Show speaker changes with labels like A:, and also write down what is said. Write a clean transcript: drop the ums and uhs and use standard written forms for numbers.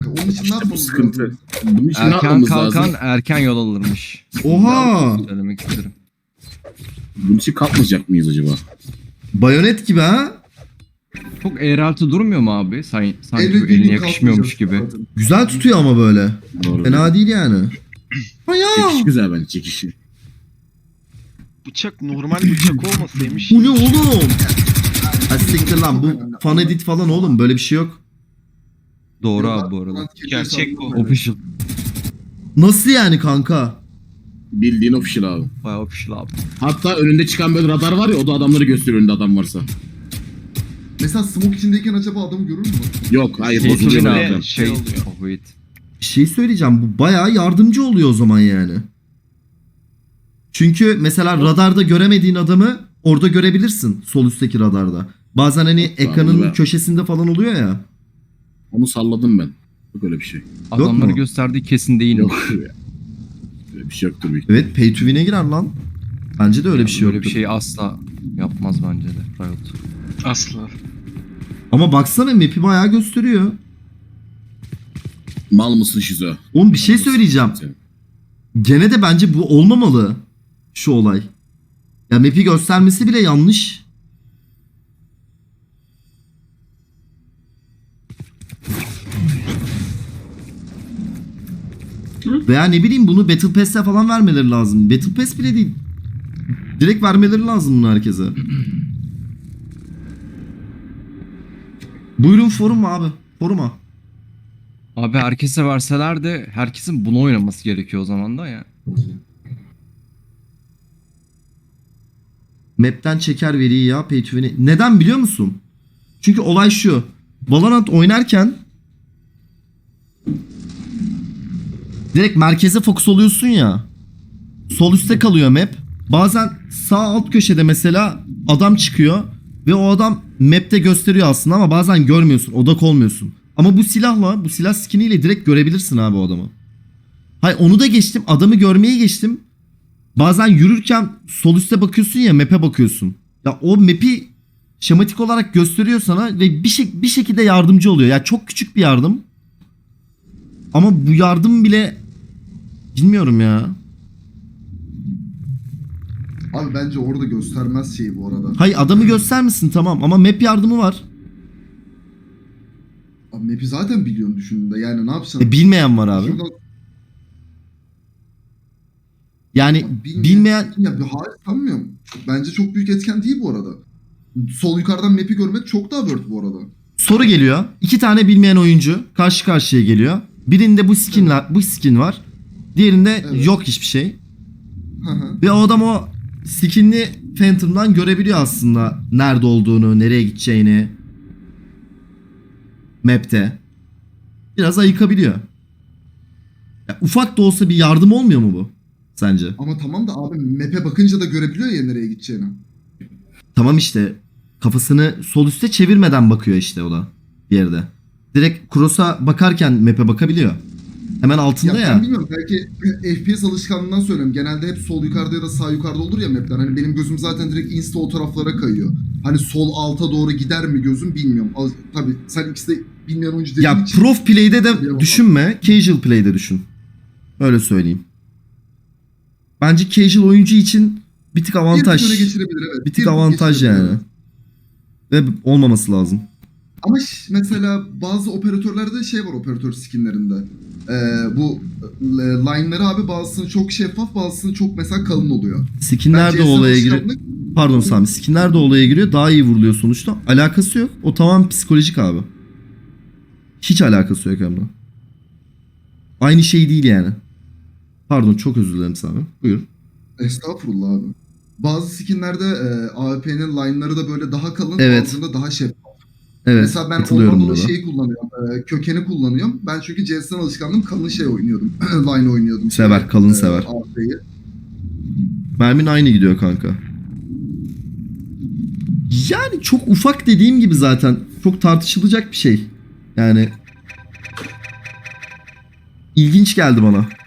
A: Onun için ne
B: İşte bu
A: yapmamız
B: sıkıntı.
A: lazım?
B: Bunun için ne
C: Erken
B: yapmamız
C: kalkan
B: lazım?
C: erken yol alırmış.
D: Oha!
C: Söylemek isterim.
B: Bunun için kalkmayacak mıyız acaba?
D: Bayonet gibi ha?
C: Çok eğrelti durmuyor mu abi? Sanki
A: Elle
C: bu eline
A: birlik
C: yakışmıyormuş
A: kalkmayacağız
C: gibi.
A: zaten.
D: Güzel tutuyor ama böyle.
B: Doğru.
D: Fena değil yani.
B: Çekiş güzel bence çekişi.
E: Bıçak normal bıçak olmasaymış.
D: Bu ne oğlum? Ha siktir lan, bu fan edit falan oğlum, böyle bir şey yok.
C: Doğru abi bu arada.
E: Gerçek bu.
C: Official.
D: Nasıl yani kanka?
B: Bildiğin official abi.
C: Bayağı official abi.
B: Hatta önünde çıkan böyle radar var ya, o da adamları gösteriyor önünde adam varsa.
A: Mesela smoke içindeyken acaba adamı görür mü?
B: Yok hayır
C: Şey
B: bozuluyor
C: söyleyeyim
B: zaten.
C: abi.
E: Şey oluyor.
C: Oh, wait.
D: Bir şey söyleyeceğim, bu bayağı yardımcı oluyor o zaman yani. Çünkü mesela radarda göremediğin adamı orada görebilirsin, sol üstteki radarda. Bazen hani ekranın
B: be.
D: köşesinde falan oluyor ya.
B: Onu salladım ben. Yok öyle bir şey.
C: Adamları
D: mu?
C: gösterdiği kesin değil mi?
B: Yok. Öyle bir şey yoktur büyük.
D: Evet, pay to win'e girer lan. Bence de öyle bir şey
C: Böyle
D: yoktur.
C: bir şey asla yapmaz bence de Riot.
E: Asla.
D: Ama baksana, map'i bayağı gösteriyor.
B: Mal mısın şizo?
D: Oğlum bir şey söyleyeceğim. Gene de bence bu olmamalı. Şu olay. Ya map'i göstermesi bile yanlış. Veya ne bileyim, bunu Battle Pass'te falan vermeleri lazım. Battle Pass bile değil. Direkt vermeleri lazım bunu herkese. Buyurun forum abi. Foruma.
C: Abi herkese verseler de herkesin bunu oynaması gerekiyor o zaman da ya.
D: Map'ten çeker veriyi ya, pay to win'i. Neden biliyor musun? Çünkü olay şu. Valorant oynarken direkt merkeze fokus oluyorsun ya. Sol üstte kalıyor map. Bazen sağ alt köşede mesela adam çıkıyor ve o adam map'te gösteriyor aslında ama bazen görmüyorsun, odak olmuyorsun. Ama bu silahla, bu silah skiniyle direkt görebilirsin abi o adamı. Hayır, onu da geçtim, adamı görmeyi geçtim. Bazen yürürken sol üste bakıyorsun ya, map'e bakıyorsun. Ya o map'i şematik olarak gösteriyor sana ve bir şekilde yardımcı oluyor. Ya çok küçük bir yardım. Ama bu yardım bile bilmiyorum ya.
A: Abi bence orada göstermez şeyi bu arada.
D: Hayır, adamı göstermesin tamam ama map yardımı var.
A: Abi map'i zaten biliyorsun düşündüğünde, yani ne yapacaksın?
D: Bilmeyen var abi.
A: Şuradan-
D: Yani
A: Abi
D: bilmeyen...
A: Ya hayır, sanmıyorum. Bence çok büyük etken değil bu arada. Sol yukarıdan map'i görmek çok daha worth bu arada.
D: Soru geliyor. 2 tane bilmeyen oyuncu karşı karşıya geliyor. Birinde bu skin var. Diğerinde
A: Evet.
D: yok hiçbir şey.
A: Hı hı.
D: Ve o adam o skinli Phantom'dan görebiliyor aslında nerede olduğunu, nereye gideceğini. Map'te. Biraz ayıkabiliyor. Ya, ufak da olsa bir yardım olmuyor mu bu? Sence?
A: Ama tamam da abi map'e bakınca da görebiliyor ya nereye gideceğini.
D: Tamam işte. Kafasını sol üste çevirmeden bakıyor işte o da. Bir yerde. Direkt cross'a bakarken map'e bakabiliyor. Hemen altında ya.
A: Ben bilmiyorum, belki FPS alışkanlığından söylüyorum. Genelde hep sol yukarıda ya da sağ yukarıda olur ya map'ler. Hani benim gözüm zaten direkt insta o taraflara kayıyor. Hani sol alta doğru gider mi gözüm bilmiyorum. Tabii sen ikisi de bilmeyen oyuncu dediğin
D: Ya
A: için.
D: prof play'de de
A: Tabii,
D: düşünme. Casual play'de düşün. Öyle söyleyeyim. Bence casual oyuncu için bir tık avantaj.
A: Bir tık öne geçirebilir, evet.
D: Bir tık avantaj
A: geçirebilir,
D: yani.
A: evet.
D: Ve olmaması lazım.
A: Ama mesela bazı operatörlerde şey var, operatör skinlerinde. Bu line'ları abi bazısının çok şeffaf, bazısının çok mesela kalın oluyor.
D: Skinler de
A: CS'nin
D: olaya giriyor.
A: alışkanlık-
D: Pardon Sami. Skinler de olaya giriyor. Daha iyi vuruluyor sonuçta. Alakası yok. O tamamen psikolojik abi. Hiç alakası yok hem de. Aynı şey değil yani. Pardon, çok özür dilerim Sami. Buyur.
A: Estağfurullah abi. Bazı skinlerde AWP'nin line'ları da böyle daha kalın,
D: Evet.
A: bazılarında daha şeffaf.
D: Evet.
A: Mesela ben
D: Katılıyorum
A: ondan
D: buna
A: dolayı
D: da.
A: şeyi kullanıyorum. Kökeni kullanıyorum. Ben çünkü CS'den alışkanlığım kalın şey oynuyordum. Line oynuyordum.
D: Sever, kalın sever.
A: AWP'yi.
D: Mermin aynı gidiyor kanka. Yani çok ufak dediğim gibi zaten. Çok tartışılacak bir şey. Yani ilginç geldi bana.